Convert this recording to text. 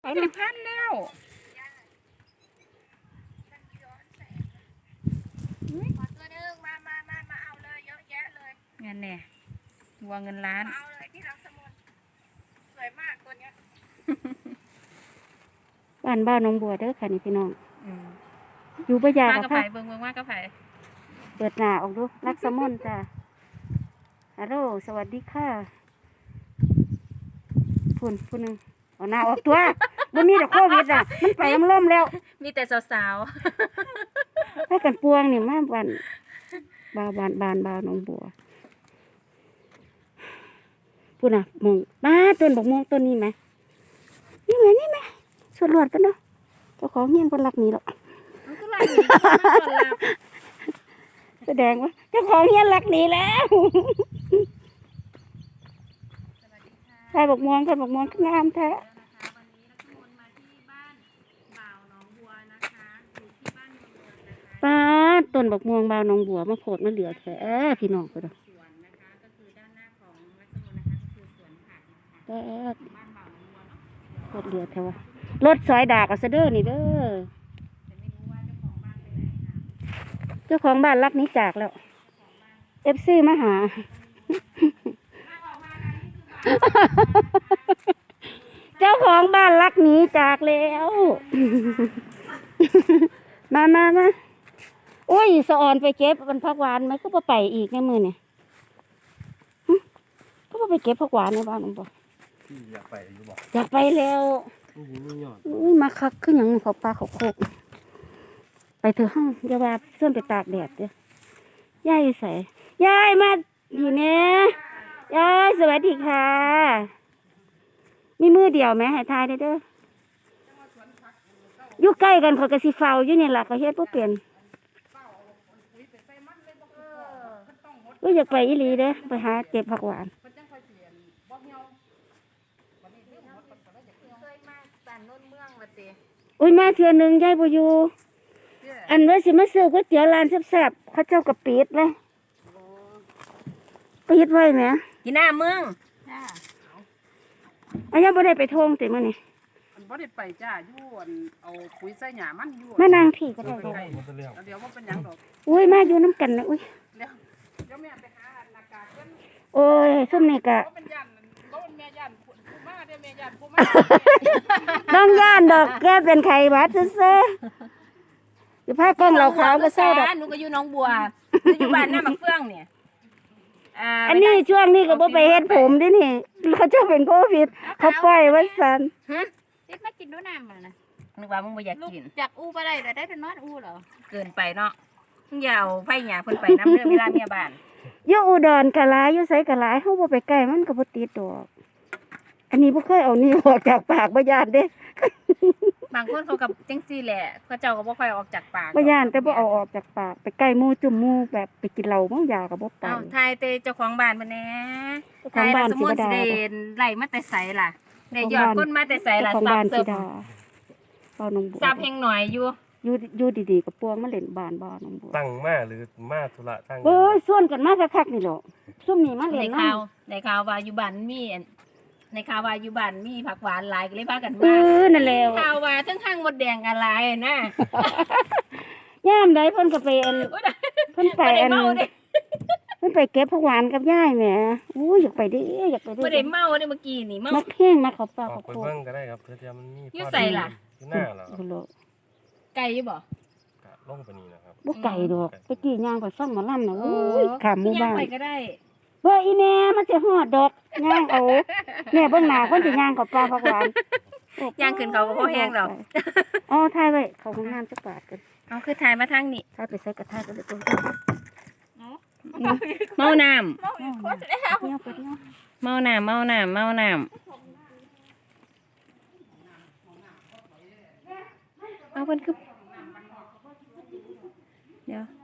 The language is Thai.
เอาเลยพันแล้วขอตัวนึงมาเอาเลยเยอะแยะเลยเงินเนี่ยวัวเงินล้านเอาเลยที่รักสมุนสวยมากตัวเนี้ยบ้านน้องบัวเด้อค่ะนี่พี่น้อง อยู่มายบ่ากกับไผ่เบิ่งมากกับไผ่เปิดหน้าออกดูรักสมนจ้ะฮัลโหลสวัสดีค่ะผู้หนึ่งเอาหน้าออกตัวบ่มีแต่โควิดอ่ะมันไปมันล่มแล้วมีแต่สาวให้กันปวงนี่มาบ้านน้องบัวพูดน่ะมองมาต้นบอกมองต้นนี้ไหมนี่ไหมสวดรวดกันเนาะเจ้าของเงี้ยนคนรักนี้หรอกแสดงว่าเจ้าของเงี้ยนรักนี้แล้วใครบอกมองงามแท้ป้าต้นบอกม่วงบ่าวน้องบัวมาโผล่มาเหลือแท้พี่น้องก็ได้รถเหลือแท้วะรถสอยดากกับเสด็จนี่เด้อเจ้าของบ้านรักนี้จากแล้วFCมาหาเจ้าของบ้านรักหนีจากแล้วมาโอ้ยสะออนไปเก็บมันผักหวานไหมก็ไปอีกในมือเนี่ยก็ไปเก็บผักหวานในบ้านผมบอกอยากไปอยู่บอกอยากไปแล้วอุ้ยมาคักขึ้นอย่างเขาปลาเขาโคกไปเถอะห้องอย่าว่าเสื่อมไปตากแดดเด้อยายใส่ยายมาอยู่เนี่ยยายสวัสดีค่ะมีมือเดียวไหมให้ทายได้เด้ออยู่ใกล้กันเขากระสิเฝ้าอยู่นี่แหละเขาเฮ็ดบ่เป็นก็อยากไปอีหลีเด้อไปหาเก็บผักหวานอุ้ยมาเทื่อนึงยายบ่อยู่อันว่าสิมาซื้อก๋วยเตี๋ยวร้านแซ่บๆเขาเจ้าก็ปิดเลยปิดไว้แหมที่หน้าเมืองอันยังบ่ได้ไปทงติมื้อนี้บ่ได้ไปจ้าอยู่เอาปุ๋ยใส่หญ้ามันอยู่มานางพี่ก็ได้ดอกเดี๋ยวบ่เป็นหยังดอกอุ้ยมาอยู่น้ำกันนะอุ้ยเดี๋ยวแม่ไปหาหน้ากากกันโอ้ยซุ่มนี่ก็บ่เป็นย่านบ่เป็นแม่ย่านผู้มาเด้อแม่ย่านผู้มาต้องย่านดอกแกเป็นไข้หวัดซื่อๆอยู่ภาคกล้องเราขาวก็เศร้าดอกหนูก็อยู่น้องบัวอยู่บ้านหน้ามักเฟื่องเนี่ยอันนี้ช่วงนี้ก็บ่ไปเฮ็ดผมดินี่เขาเจ้าเป็นโควิดเขาปล่อยไว้ซั่นติดมากินดูน้ำมันนะนึกว่ามึงไม่อยากกินอยากอู้ไปได้แต่ได้เป็นนอนอู้เหรอเกินไปเนาะมึงอย่าเอาไผ่หยาเพิ่นไปน้ำเรื่องเวลาเมียบ้านอยู่อุดรกะหลายอยู่ไสกะหลายเฮาบ่ไปใกล้มันก็บ่ติดดอกอันนี้บ่เคยเอานี่ออกจากปากบ่ย่านเด้บางคนเขากับจังซี่แหละเขาเจ้าก็บ่ค่อยออกจากปากบ่ย่านแต่บ่เอาออกจากปากไปใกล้หมู่จุ่มหมู่แบบไปกินเหล้าเมายาก็บ่ไปทายแต่เจ้าของบ้านเพิ่นแหน่ทายสมมุติสิได้ไล่มาแต่ไสล่ะได้ยอดคนมาแต่ไสล่ะซับเสิร์ฟบ่น้องบัวซับแห่งหน่อยอยู่ดีๆกับปวงมาเล่นบ้านบ่น้องบัวตั้งมาหรือมาธุระตั้งโอ้ยส่วนกันมาคักๆนี่หรอซุ่มนี่มาเล่นนในข่าวว่าอยู่บ้านมีในข่าวว่าอยู่บ้านมีผักหวานหลายก็เลยพากันมานั่นแหละข่าวว่าทั้งข้างมดแดงอะไรนะย่ามใดเพิ่นก็ไปเพิ่นไปเพิ่นไปเก็บผักหวานกับยายแหมอู้อยากไปดิอยากไปดิบ่ได้เมาเด้เมื่อกี้นี่เมาแห้งมาเขาปลาเขาโคเบิ่งก็ได้ครับเพื่อจะมันมีอยู่ใส่ล่ะอยู่หน้าเหรอไก่อยู่บ่ลงไปนี่นะครับบ่ไก่ดอกไปกี่ย่างไปฟังหมอลำน่ะโอ้ยขามหมู่บ้านไปก็ได้เฮ้ยอีแม่มันจะฮอดดอกย่างเอาแม่เบิ่งหน้าคนสิย่างกับปลาผักหวานย่างขึ้นเขาก็บ่แห้งดอกอ๋อถ่ายไว้เขาห้องน้ำจักบาทกันเอาคือถ่ายมาทางนี้ถ่ายไปใส่กระทะก็ได้ตัวเมาน้ำเมาน้ำเอาเพิ่นคือเดี๋ยว